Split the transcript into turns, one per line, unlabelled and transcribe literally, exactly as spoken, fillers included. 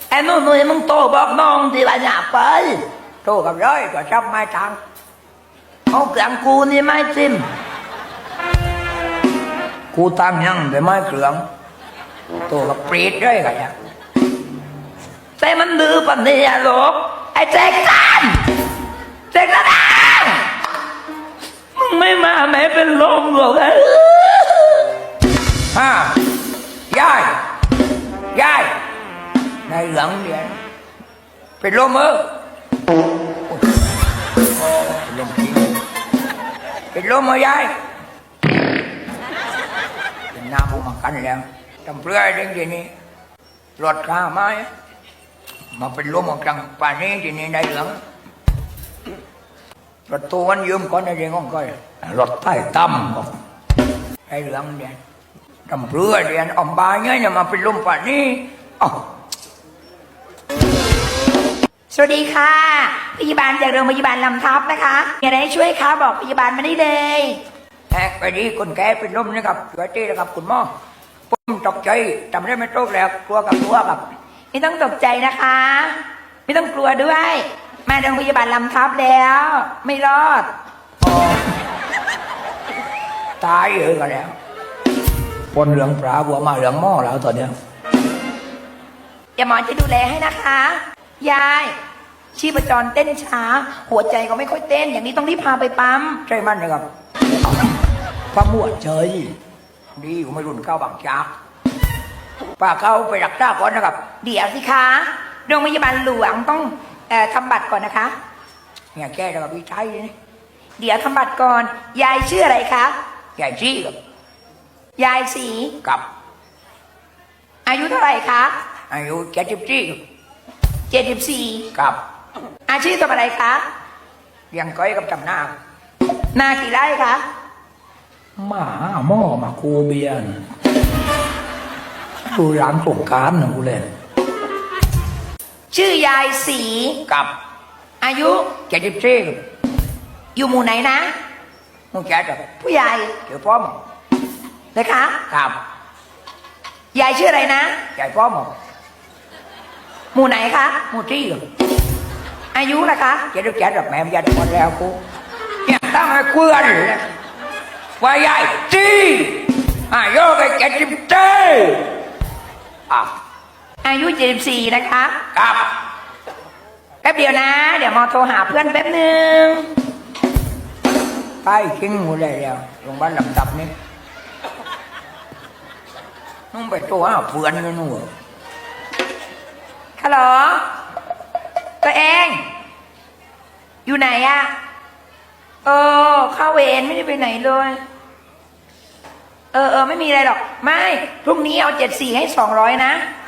ไอ้นู่นนี่มึงโตบอกน้องที่ว่าอย่าไปโตกับร้อยก็ชอบไม้ทางเอาเกลืองกูนี่ไม้ซิมกูตั้งยังแต่ไม้เกลืองโตกับปรีดด้วยกันเนี่ยแต่มันดื้อปันนี่อะลูกไอ้แจ็คสันแจ็คสันมึงไม่มาแม่เป็นลมหรอกไอ้ฮะยายยายในเหลืองเดียนเป็นลมเออเป็นลมจริงเป็นลมเออยายเป็นน้ำมากันแล้วทำเปลือยเด้งทีนี้รถข้าไม้มาเป็นลมออกจังป่านนี้ทีนี้ในเหลืองรถตัวมันยืมก่อนในเรื่องของก้อยรถใต้ต่ำบอกในเหลืองเดียนทำเปลือยเดียนอมบายเงี้ยมาเป็นลมป่านนี้อ๋อ
สวัสดีค่ะพยาบาลจากโรงพยาบาลลำทับนะคะมีอะไรให้ช่วยคะบอกพยาบาลมาได้เลย
แอกไปดีคนแก่เป็นลมนะครับช่วยทีนะครับคุณหมอผมตกใจจำได้ไม่ตกแล้วกลัวกับกลัวกับ
ไม่ต้องตกใจนะคะไม่ต้องกลัวด้วยมาโรงพยาบาลลำทับแล้วไม่รอด
ตายเยอะกันแล้วปนเหลืองปลาบัวมาเหลืองหม้อแล้วตอนเนี้ย
อย่าหมอจะดูแลให้นะคะยายชีพจรเต้นช้าหัวใจก็ไม่ค่อยเต้นอย่างนี้ต้องรีบพาไปปั๊ม
ใช่มันนะครับปั๊มหัวใจดีกูไม่รุนเข้าบางจากป้าเข้าไปรักษาก่อนนะครับ
เดี๋ยวสิคะโรงพยาบาลหลวงต้องเอ่อทำบัตรก่อนนะคะ
เนี่ยแก้แล้วกับพี่ชายนี่
เดี๋ยวทำบัตรก่อนยายชื่ออะไรคะ
ยายชี้กับ
ยายสี
กับ
อายุเท่าไหร่คะ
อายุเจ็ดสิบสี่
เจ็ดสิบสี่
กับ
อาชีพทำอะไรคะ
เลี้ยงก้อยกับจำหน้า
นากี่ไร่คะ
หมาหม้อมาคูเบียนดูร้านสงการนะกูเล่น
ชื่อยายสี
กับ
อายุ
เจ็ดสิบสี่
อยู่หมู่ไหนนะ
หมู่เจ็ด
ผู้ใหญ่
เดี๋ยวพ่อม
นะคะ
กับ
ยายชื่ออะไรนะ
ยายพ่อม
หมู่ไหนคะ
หมู่ที่
อายุล่ะคะ
เจ็ดสิบเจ็ดแม่ไม่ยันหมดแล้วกูเนี่ยตั้งให้เกลือนว่ายายจีอายุก็เจ็ดสิบเจ็ดอ่ะ
อายุเจ็ดสิบสี่นะคะ
ครับ
แป๊บเดียวนะเดี๋ยวมอโทรหาเพื่อนแป๊บนึง
ไปทิ้งหมดเลยแล้วโรงพยาบาลลำดับนี้นุ่งไปตัวหาเพื่อนกันนู่น
ฮัลโหลตัวเองอยู่ไหนอะเออเข้าเวรไม่ได้ไปไหนเลยเออเออไม่มีอะไรหรอกไม่พรุ่งนี้เอาเจ็ดสี่ให้สองร้อยนะ